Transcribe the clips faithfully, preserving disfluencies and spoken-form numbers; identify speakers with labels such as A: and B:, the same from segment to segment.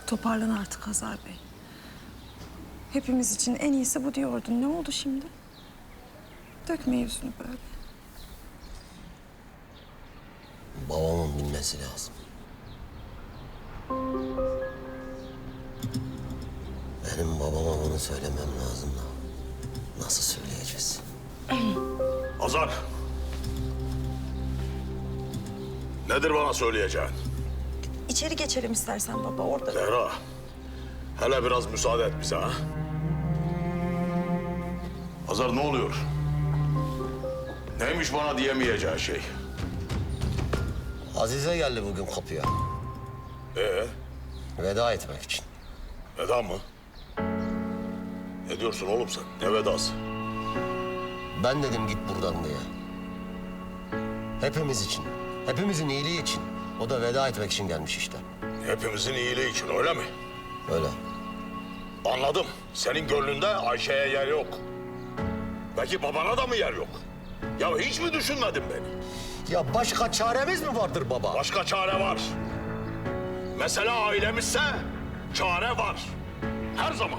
A: Toparlan artık Hazar Bey. Hepimiz için en iyisi bu diyordun. Ne oldu şimdi? Dökme yüzünü böyle.
B: Babamın bilmesi lazım. Benim babama bunu söylemem lazım da. Nasıl söyleyeceğiz?
C: Hazar. Nedir bana söyleyeceğin?
A: İçeri geçelim istersen baba orada.
C: Zehra. Hele biraz müsaade et bize ha. Hazar ne oluyor? Neymiş bana diyemeyeceği şey?
B: Azize geldi bugün kapıya.
C: Ee,
B: Veda etmek için.
C: veda mı? Ne diyorsun oğlum sen? Ne vedası?
B: Ben dedim git buradan diye. Hepimiz için, hepimizin iyiliği için. O da veda etmek için gelmiş işte.
C: Hepimizin iyiliği için öyle mi?
B: Öyle.
C: Anladım. Senin gönlünde Ayşe'ye yer yok. Peki babana da mı yer yok? Ya hiç mi düşünmedin beni?
B: Ya başka çaremiz mi vardır baba?
C: Başka çare var. Mesela ailemizse çare var. Her zaman.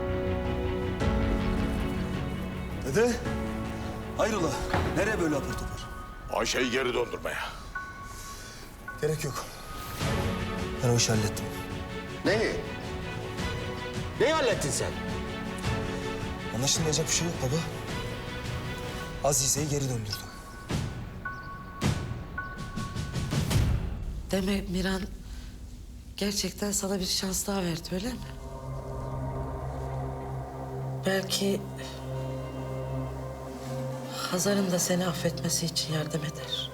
D: Dede, hayrola? Nereye böyle apar topar?
C: Ayşe'yi geri döndürmeye.
D: Gerek yok. Ben o işi hallettim.
B: Neyi? Neyi hallettin sen?
D: Anlaşılmayacak bir şey yok baba. Azize'yi geri döndürdüm.
E: Demek Miran gerçekten sana bir şans daha verdi öyle mi? Belki Hazar'ın da seni affetmesi için yardım eder.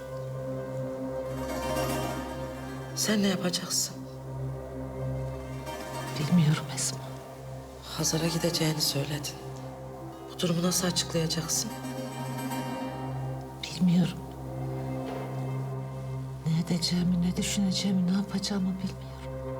E: Sen ne yapacaksın?
F: Bilmiyorum Esma.
E: Hazar'a gideceğini söyledin. Bu durumu nasıl açıklayacaksın?
F: Bilmiyorum. Ne edeceğimi, ne düşüneceğimi, ne yapacağımı bilmiyorum.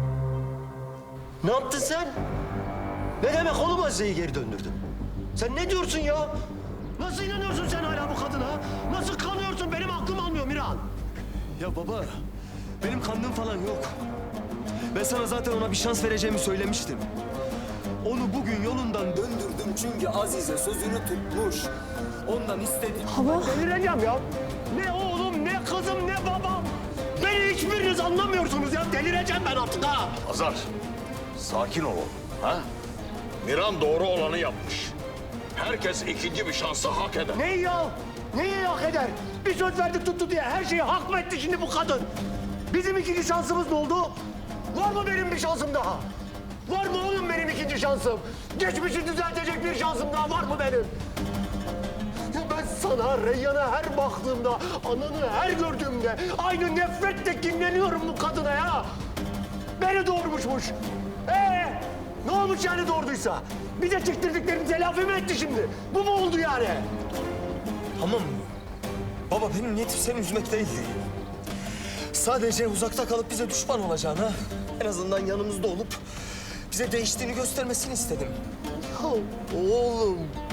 B: Ne yaptın sen? Ne demek oğlum Azize'yi geri döndürdün? Sen ne diyorsun ya? Nasıl inanıyorsun sen hala bu kadına? Nasıl kanıyorsun? Benim aklım almıyor Miran.
D: Ya baba, benim kandığım falan yok. Ben sana zaten ona bir şans vereceğimi söylemiştim. Onu bugün yolundan döndürdüm çünkü Azize sözünü tutmuş. Ondan istedim.
B: Delireceğim ya. Ne oğlum, ne kızım, ne babam. Beni hiçbiriniz anlamıyorsunuz ya. Delireceğim ben artık ha.
C: Hazar, sakin ol oğlum. Ha? Miran doğru olanı yapmış. Herkes ikinci bir şansı hak eder.
B: Neyi ya? Neyi hak eder? Bir söz verdik tuttu diye her şeyi hak mı etti şimdi bu kadın? Bizim ikinci şansımız ne oldu? Var mı benim bir şansım daha? Var mı oğlum benim ikinci şansım? Geçmişi düzeltecek bir şansım daha var mı benim? Ya ben sana, Reyyan'a her baktığımda, ananı her gördüğümde aynı nefretle kinleniyorum bu kadına ya. Beni doğurmuşmuş. Ee, ne olmuş yani doğurduysa? Bize çektirdiklerini telafi mi etti şimdi? Bu mu oldu yani?
D: Tamam. Baba benim niyetim seni üzmek değildi. Sadece uzakta kalıp bize düşman olacağına, en azından yanımızda olup bize değiştiğini göstermesini istedim.
B: Ya oğlum.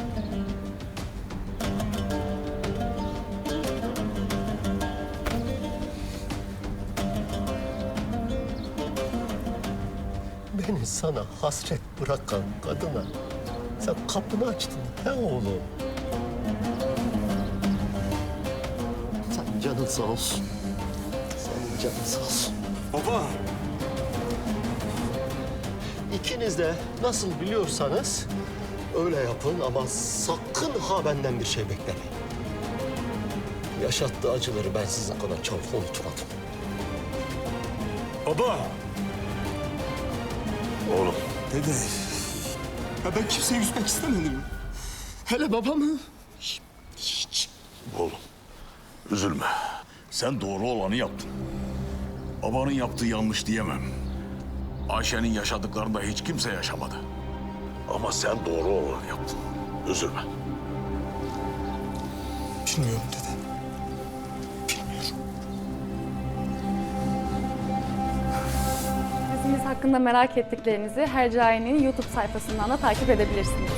B: Beni sana hasret bırakan kadına sen kapını açtın he oğlum. Sen canın sağ olsun. Senin canın sağ olsun.
D: Baba.
B: İkiniz de nasıl biliyorsanız öyle yapın ama sakın ha benden bir şey beklemeyin. Yaşattığı acıları ben sizin kadar çabuk unutmadım.
D: Baba.
C: Oğlum,
D: Dede. Ya ben kimseyi üzmek istemedim. Hele babamı. Hiç.
C: oğlum. Üzülme. Sen doğru olanı yaptın. Babanın yaptığı yanlış diyemem. Ayşe'nin yaşadıklarını da hiç kimse yaşamadı. Ama sen doğru olanı yaptın. Üzülme.
D: Bilmiyorum dede. Bilmiyorum.
G: Dizimiz hakkında merak ettiklerinizi Hercai'nin YouTube sayfasından da takip edebilirsiniz.